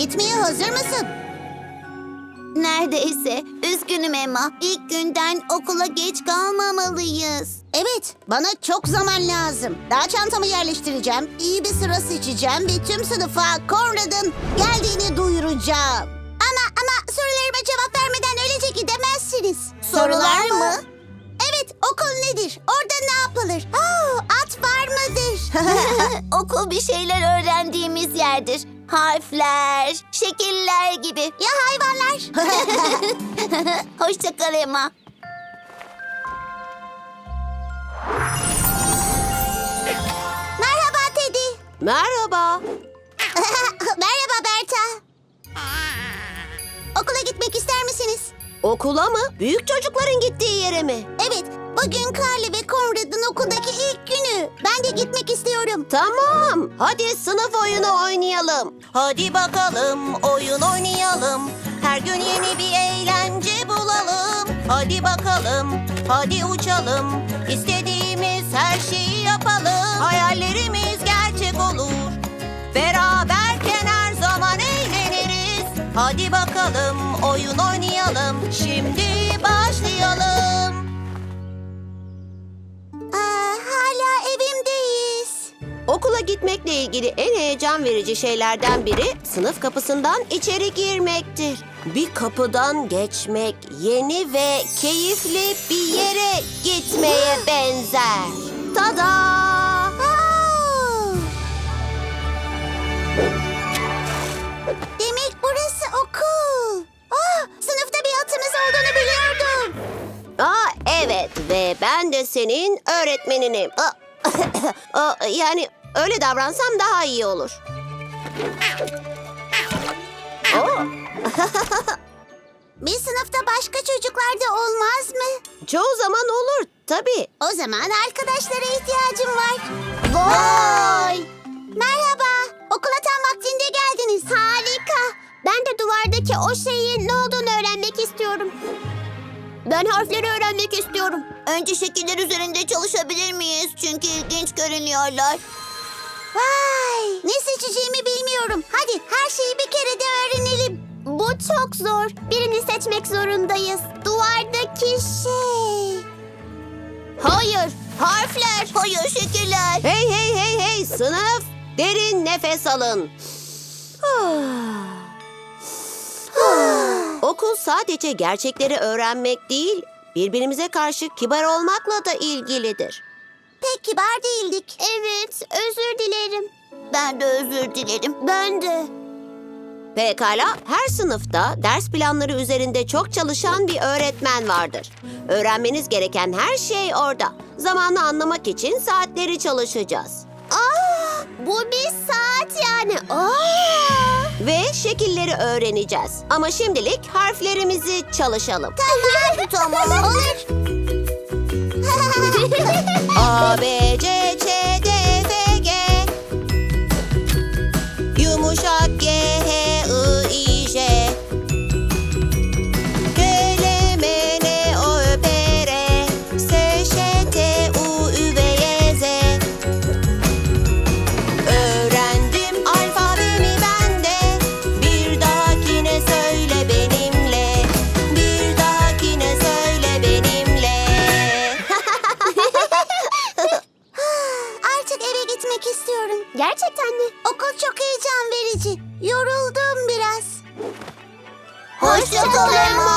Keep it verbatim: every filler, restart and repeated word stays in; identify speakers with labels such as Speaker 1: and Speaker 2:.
Speaker 1: Gitmeye hazır mısın?
Speaker 2: Neredeyse. Üzgünüm Emma. İlk günden okula geç kalmamalıyız.
Speaker 1: Evet, bana çok zaman lazım. Daha çantamı yerleştireceğim, iyi bir sıra seçeceğim ve tüm sınıfa Conrad'ın geldiğini duyuracağım. Ama ama sorularıma cevap vermeden öylece gidemezsiniz.
Speaker 2: Sorular mı?
Speaker 1: Evet, okul nedir? Orada ne yapılır? Aa, at var mıdır?
Speaker 2: Okul bir şeyler öğrendiğimiz yerdir. Harfler, şekiller gibi.
Speaker 1: Ya hayvanlar?
Speaker 2: Hoşça kal Emma.
Speaker 1: Merhaba Teddy.
Speaker 3: Merhaba.
Speaker 1: Merhaba Berta. Okula gitmek ister misiniz?
Speaker 3: Okula mı? Büyük çocukların gittiği yere mi?
Speaker 1: Evet, bugün Carly ve Conrad'ın okuldaki ilk günü. Ben de gitmek istiyorum.
Speaker 3: Tamam. Hadi sınıf oyunu oynayalım.
Speaker 4: Hadi bakalım oyun oynayalım. Her gün yeni bir eğlence bulalım. Hadi bakalım, hadi uçalım. İstediğimiz her şeyi yapalım. Hayallerimiz gerçek olur. Beraberken her zaman eğleniriz. Hadi bakalım oyun oynayalım. Şimdi başlayalım.
Speaker 1: Aa, hala evimdeyiz.
Speaker 3: Okula gitmekle ilgili en heyecan verici şeylerden biri sınıf kapısından içeri girmektir. Bir kapıdan geçmek yeni ve keyifli bir yere gitmeye benzer. Tada!
Speaker 1: Aa! Demek burası okul. Aa, sınıfta bir atımız olduğunu biliyordum.
Speaker 3: Aa, evet ve ben de senin öğretmeninim. Aa, aa, yani öyle davransam daha iyi olur. Oo,
Speaker 1: Bir sınıfta başka çocuklar da olmaz mı?
Speaker 3: çoğu zaman olur tabii.
Speaker 1: O zaman arkadaşlara ihtiyacım var. Vay! Merhaba. Okula tam vaktinde geldiniz. Harika. Ben de duvardaki o şeyin ne olduğunu öğrenmek istiyorum.
Speaker 2: Ben harfleri öğrenmek istiyorum. Önce şekiller üzerinde çalışabilir miyiz? Çünkü ilginç görünüyorlar.
Speaker 1: Vay! Ne seçeceğimi bilmiyorum. Hadi her şeyi bir kere de öğrenelim. Bu çok zor. Birini seçmek zorundayız. Duvardaki şey.
Speaker 2: Hayır, harfler. Hayır, şekiller.
Speaker 3: Hey hey hey hey sınıf, derin nefes alın. Okul sadece gerçekleri öğrenmek değil, birbirimize karşı kibar olmakla da ilgilidir.
Speaker 1: Pek kibar değildik. Evet, özür dilerim.
Speaker 2: Ben de özür dilerim.
Speaker 1: Ben de.
Speaker 3: Pekala, her sınıfta ders planları üzerinde çok çalışan bir öğretmen vardır. Öğrenmeniz gereken her şey orada. Zamanı anlamak için saatleri çalışacağız.
Speaker 1: Aa, bu bir saat yani. Aa!
Speaker 3: Ve şekilleri öğreneceğiz. Ama şimdilik harflerimizi çalışalım.
Speaker 1: Tamam. Tamam. Olur.
Speaker 3: A, B, C, Ç, D, F, G. Yumuşak G, H, I, I, J. K, L, M, N, O, Ö, P, R. S, Ş, T, U, Ü, V, Y, Z. Öğrendim alfabemi ben de. Bir dahakine söyle benimle. Bir dahakine söyle benimle.
Speaker 1: Artık eve gitmek istiyorum.
Speaker 2: Gerçekten mi?
Speaker 1: Okul çok heyecan verici. Yoruldum biraz.
Speaker 2: Hoşça kal Emma.